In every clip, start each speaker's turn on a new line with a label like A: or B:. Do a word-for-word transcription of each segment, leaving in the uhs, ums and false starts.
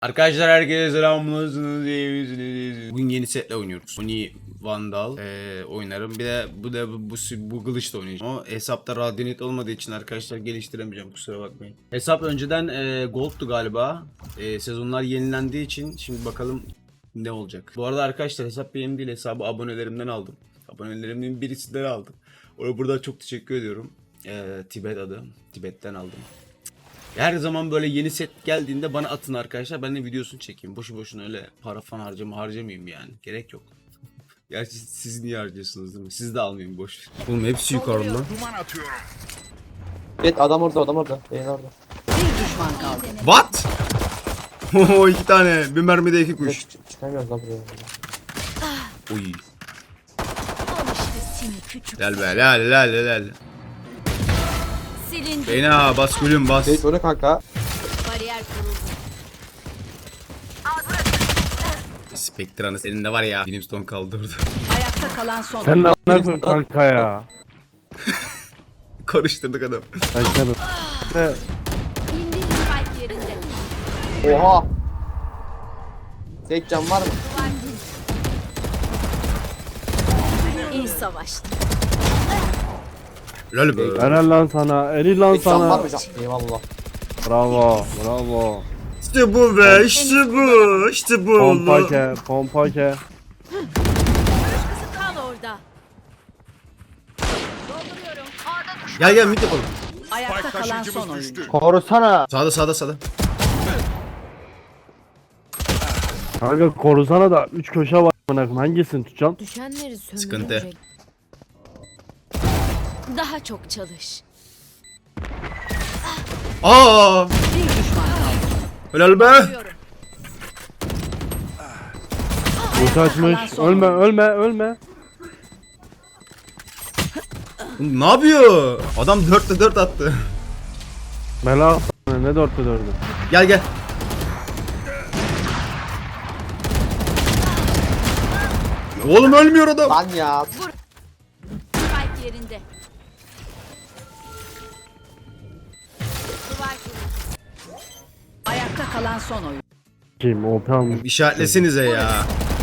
A: Arkadaşlar herkese selamlar. Bugün yeni setle oynuyoruz. Oni Vandal ee, oynarım. Bir de bu da bu, bu, bu kılıçla oynayacağım. Ama hesapta Radyanit olmadığı için arkadaşlar geliştiremeyeceğim. Kusura bakmayın. Hesap önceden e, Gold'tu galiba. E, sezonlar yenilendiği için şimdi bakalım ne olacak. Bu arada arkadaşlar hesap benim değil, hesabı abonelerimden aldım. Abonelerimden birisinden aldım. Ona burada çok teşekkür ediyorum. E, Tibet adı. Tibet'ten aldım. Her zaman böyle yeni set geldiğinde bana atın arkadaşlar. Ben de videosunu çekeyim. Boşu boşuna öyle para falan harcama harcamayayım yani. Gerek yok. Gerçi siz niye harcıyorsunuz değil mi? Siz de almayın boş. Oğlum hepsi yukarıda.
B: Duman atıyorum.
C: Evet, adam orada, adam orada. Beyin orada.
D: Bir düşman kaldı.
A: What? Oho iki tane. Bir mermide iki kuş.
C: Çık, çıkamıyoruz lan buraya.
A: Oy.
E: Al işte seni küçük.
A: Gel be lal lal lal.
E: Silindi.
A: Beyna bas gülüm bas.
C: Evet, öyle kanka.
E: Bariyer kuruldu.
A: Spectre'nı senin de var ya. Brimstone kaldı orada.
D: Ayakta kalan son.
F: Sen ne yapıyorsun kanka ya?
A: Karıştırdık adam.
F: Ben canım. Ne?
E: İndir spike yerinde.
C: Oha. Tek can var mı?
E: İyi savaştı.
A: Lal be.
F: Helal lan sana. Eli lan
C: Tek can var
F: sana.
C: mı can? Eyvallah.
F: Bravo. Bravo.
A: İşte bu be. İşte bu. İşte bu
F: Pompa
A: oldu.
F: ke. Pompa ke.
E: Kal orada. Dolduruyorum. A'da düş.
A: Gel gel mid yapalım.
D: Ayakta
B: Spike
D: kalan son
B: taşıyıcımız
D: oyuncu.
B: düştü.
F: Korusana.
A: Sağda sağda sağda.
F: Kanka korusana da üç köşe var. Amına hangisini tutacaksın?
E: Düşenleri söndürecek.
A: Sıkıntı.
E: Daha çok çalış.
A: Aa!
D: Bir düşman kaldı.
A: Helal be.
E: Diyorum.
F: Ulti açmış. Ölme ölme ölme.
A: Ne yapıyor? Adam dörtte dört attı.
F: Bela ne dörtte dördü.
A: Gel gel. Oğlum ölmüyor adam.
C: Lan ya.
E: Spike yerinde. Duvar kuruldu.
D: Ayakta kalan son oyuncu.
F: Kim O P almış.
A: İşaretlesenize ya.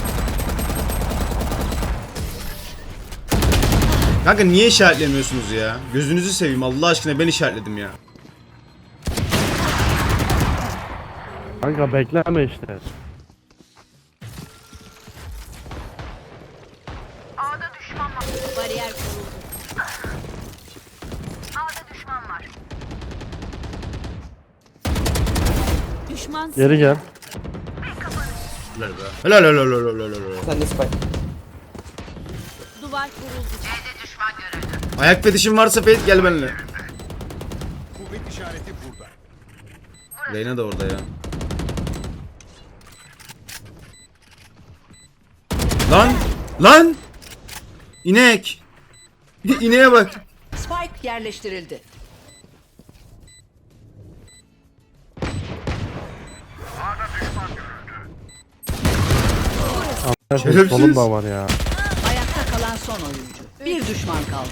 A: Kanka niye işaretlemiyorsunuz ya? Gözünüzü seveyim Allah aşkına, ben işaretledim ya.
F: Kanka bekleme işte.
E: Bariyer kuruldu. Düşman
F: Geri gel.
A: Helal be. Helal helal helal helal helal.
C: Sen de spike.
E: duvar kuruldu.
A: Ayak fetişin varsa Fate gel benimle.
B: Kuvvet işareti burada.
A: Reyna da orada ya. Lan! Lan! İnek! İneğe bak.
D: Spike yerleştirildi.
A: Şerefsiz.
F: Solum da var ya.
D: Ayakta kalan son oyuncu. Bir düşman kaldı.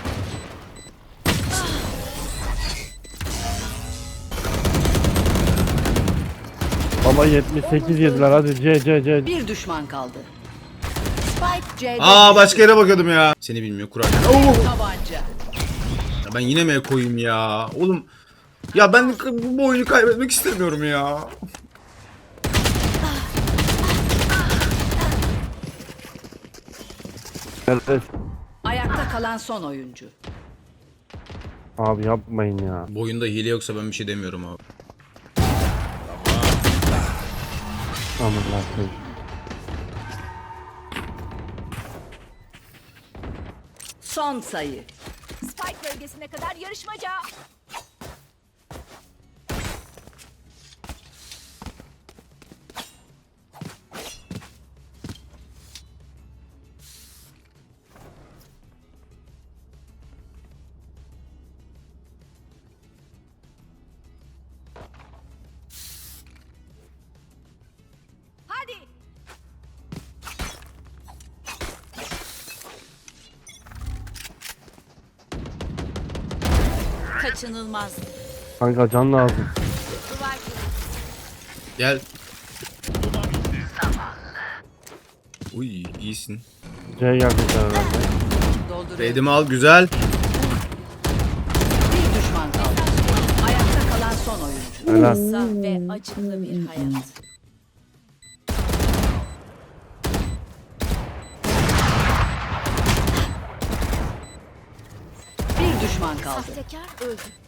F: Baba yetmiş sekiz yediler hadi C C C.
D: Bir düşman kaldı. Spike C'de.
A: Aa başka yere bakıyordum ya. Seni bilmiyor kurarken. Oo!
D: Tabanca.
A: Ya ben yine mi koyayım ya? Oğlum ya ben bu bu oyunu kaybetmek istemiyorum ya.
F: Evet.
D: Ayakta kalan son oyuncu.
F: Abi yapmayın ya.
A: Bu oyunda hile yoksa ben bir şey demiyorum abi.
F: Aman Allah'ım.
D: Son sayı.
E: Spike bölgesine kadar yarışmaca. Hadi. Kaçınılmaz.
F: Kanka can lazım.
E: Duvar kuruldu.
A: Gel. Uy iyisin.
F: C geldi herhalde.
D: Dolduruyor.
A: Redimi al güzel.
D: Bir düşman kaldı. Ayakta kalan son oyuncu.
F: Helal.
E: Kısa ve acıklı bir hayat.
D: Bir düşman kaldı.
E: Sahtekar öldü.